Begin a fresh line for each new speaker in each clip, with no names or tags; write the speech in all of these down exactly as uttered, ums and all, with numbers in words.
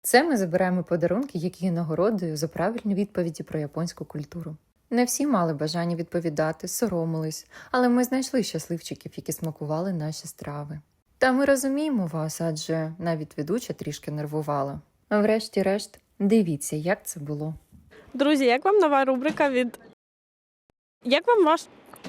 Це ми забираємо подарунки, які є нагородою за правильні відповіді про японську культуру. Не всі мали бажання відповідати, соромились, але ми знайшли щасливчиків, які смакували наші страви. Та ми розуміємо вас, адже навіть ведуча трішки нервувала. А врешті-решт, дивіться, як це було.
Друзі, як вам нова рубрика від... Як вам ваш...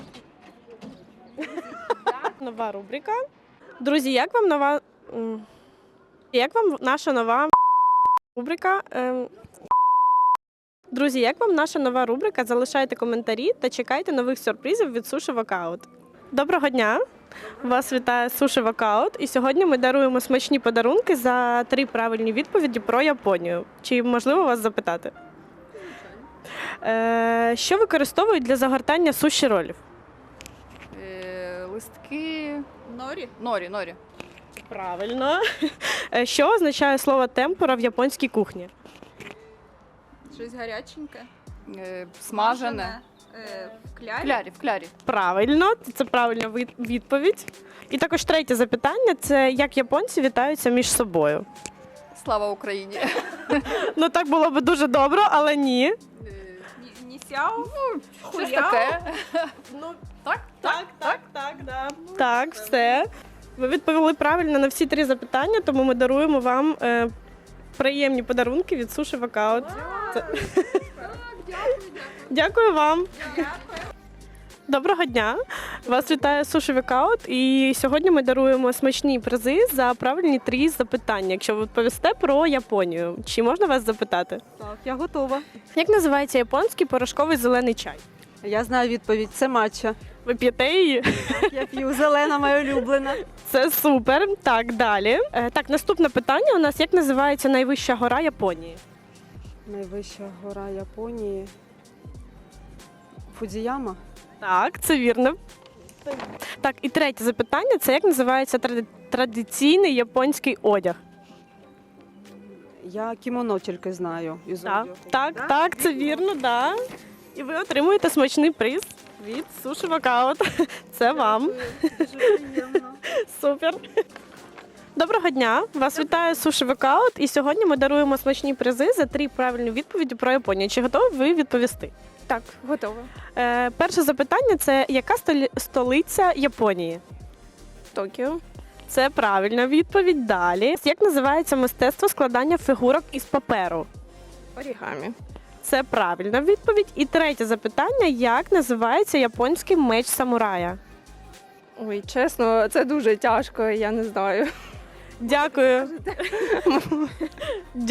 Нова рубрика. Друзі, як вам нова... м, Як вам наша нова рубрика? Ем, Друзі, як вам наша нова рубрика? Залишайте коментарі та чекайте нових сюрпризів від Суші Вокаут. Доброго дня! Вас вітає Суші Вокаут. І сьогодні ми даруємо смачні подарунки за три правильні відповіді про Японію. Чи можливо вас запитати? Е, що використовують для загортання суші-ролів?
Е, листки норі. Норі, норі.
Правильно. Е, Що означає слово темпура в японській кухні?
Щось гаряченьке.
Е, смажене.
Е, в
В
клярі.
клярі, в клярі.
Правильно, це правильна від- відповідь. І також третє запитання – це як японці вітаються між собою.
Слава Україні.
Ну так було б дуже добре, але ні.
Е,
Ні, ні сяо.
Щось таке.
Ну,
Так?
так, так, так, да. Так, все. Ви відповіли правильно на всі три запитання, тому ми даруємо вам е, приємні подарунки від Суші Вокаут. Це- Дякую вам. Доброго дня! Вас вітає Суші Вокаут. І сьогодні ми даруємо смачні призи за правильні три запитання. Якщо ви відповісте про Японію, чи можна вас запитати?
Так, я готова.
Як називається японський порошковий зелений чай?
Я знаю відповідь. Це матча.
Ви п'єте її?
Я п'ю, зелена моя улюблена.
Це супер. Так, далі. Е, Так, наступне питання у нас: як називається найвища гора Японії?
Найвища гора Японії. Фудзіяма.
Так, це вірно. Так, і третє запитання: це як називається тради- традиційний японський одяг?
Я кімоно тільки знаю. Із
Так,
одягу.
так,
Да?
так, це вірно, да. І ви отримуєте смачний приз від Суші Вокаут. Це вам.
Дуже приємно.
Супер. Доброго дня! Вас вітає Суші Вокаут. І сьогодні ми даруємо смачні призи за три правильні відповіді про Японію. Чи готові ви відповісти?
Так, готова.
Е, перше запитання – це яка столі- столиця Японії?
Токіо.
Це правильна відповідь. Далі. Як називається мистецтво складання фігурок із паперу?
Орігамі.
Це правильна відповідь. І третє запитання: як називається японський меч самурая?
Ой, чесно, це дуже тяжко, я не знаю.
Дякую.